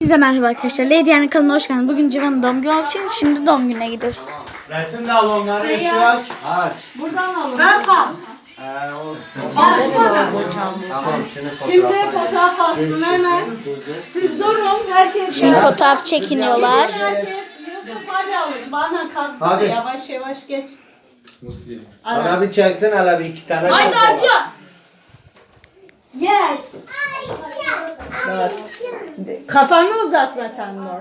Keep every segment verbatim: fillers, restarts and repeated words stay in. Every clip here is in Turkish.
Hepinize merhaba arkadaşlar. Lady Yani kanalına hoş geldiniz. Bugün Civan'ın doğum günü olduğu için şimdi doğum gününe gidiyoruz. Resim de al onları, şey ışığı aç. Aç. Buradan alın. Ben kal. Ee, o... Tamam, şimdi fotoğraf alsın hemen. Siz durun, herkes. Şimdi fotoğraf çekiniyorlar. Herkes Yusuf hadi alın. Bana kalksana Hadi. yavaş yavaş geç. Bana bir çeksin hele bir iki tane. Haydi acı. Yes. Kafanı uzatma sen Nur.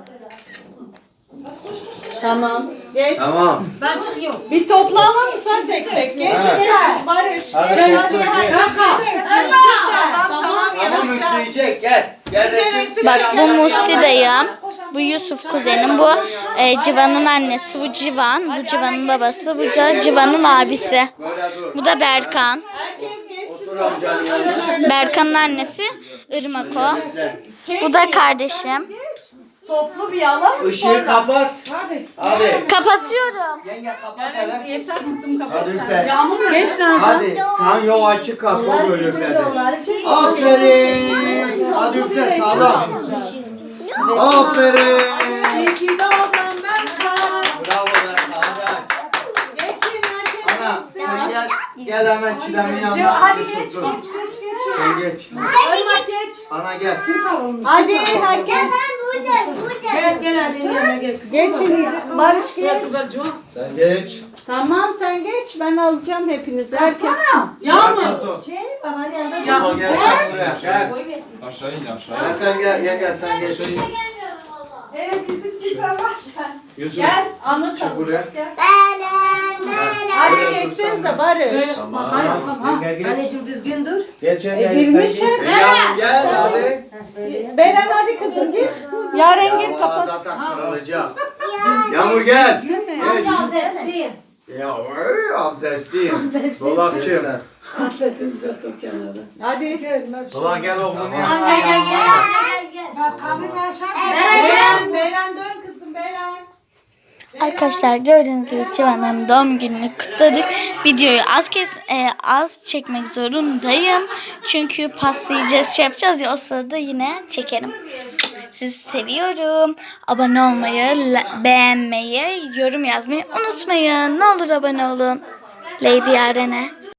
Tamam. Geç. Tamam. Ben çıkıyorum. Bir toplanalım sen tek tek. Geç Evet. geç. Barış. Hadi Geç. Yusuf, Hadi. geç. Tamam tamam Ama yapacağız. müfleyecek, gel. Gel resim. Bak bu Musti dayım. Bu Yusuf kuzenim. Bu e, Civan'ın annesi. Bu Civan. Bu Civan'ın babası. Bu da Civan'ın abisi. Böyle dur. Bu da Berkan. Herkes geçsin. Otur amcanın yanına. Berkan'ın annesi Irmak o. Gel. Bu da kardeşim. Toplu bir alalım. Işığı kapat. Hadi. Hadi. Kapatıyorum. Yenge kapat hele. Yeter kızım kapat. Hadi üfle. Yağmur geç Nazan. Hadi. Tam yol açık kalsın o böyle üfledi. Aferin. Hadi üfle sağlam. Aferin. İyi ki doğdun Berkan. Bravo be. Hadi aç. Geçin herkes Ana geçsin. sen gel. Gel hemen çilemin Hadi yanına. geç geç Yusuf, dur. geç geç geç. Sen geç. Irmak geç. Ana gel. Hadi herkes. Gel gel hadi yanına gel. Geçin. Barış geç. Sen geç. Tamam sen geç. Ben alacağım hepinizi. Herkes. Yağmur. Yağmur gel sen buraya. Gel. Aşağı in aşağı. Erkan gel gel gel sen geç. Evet bizim tipe bak. Yusuf. Gel anı Çık buraya. Gel. Hadi geçsenize Barış. Masaya ha. Gel gel. Anneciğim düzgün dur. Geç gel E, gel. girmişim. Yağmur gel hadi. Beren hadi kızım gir. Yaren gir Yağmur kapat. zaten kırılacak. Yağmur gel. Geç. Ya desliyim. Ya oy, abdestliyim. Dolapçım. Hadi. Dolap gel oğlum ya. Amca gel gel amca gel gel. Beren, Beren dön kızım Beren. Arkadaşlar gördüğünüz gibi Civan'ın doğum gününü kutladık. Videoyu az kez e, az çekmek zorundayım. Çünkü pasta yiyeceğiz, şey yapacağız ya, o sırada yine çekerim. Sizi seviyorum. Abone olmayı, la- beğenmeyi, yorum yazmayı unutmayın. Ne olur abone olun. Lady Yaren'e.